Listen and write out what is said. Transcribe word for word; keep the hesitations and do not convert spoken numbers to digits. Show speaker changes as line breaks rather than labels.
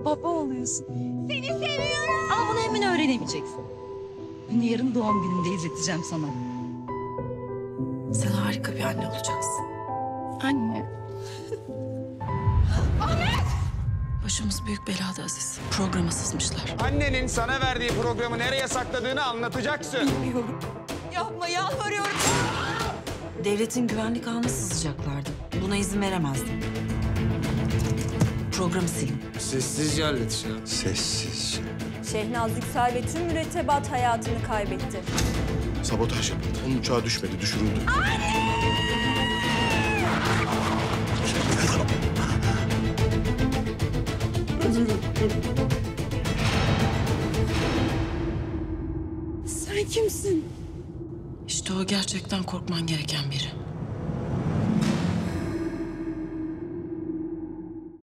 baba oluyorsun.
Seni seviyorum.
Ama bunu hemen öğrenemeyeceksin. Bunu yarın doğum günümde izleteceğim sana. Sen harika bir anne olacaksın. Anne.
Ahmet!
Başımız büyük belada Aziz. Programa sızmışlar.
Annenin sana verdiği programı nereye sakladığını anlatacaksın.
Bilmiyorum.
Yapma, yalvarıyorum.
Devletin güvenlik ağına sızacaklardı. Buna izin veremezdim. Programı silin.
Sessizce halledeceğim.
Sessizce.
Şehnaz Yüksel ve tüm mürettebat hayatını kaybetti.
Sabotaj yapıldı. Onun uçağı düşmedi, düşürüldü.
Sen kimsin? İşte o gerçekten korkman gereken biri.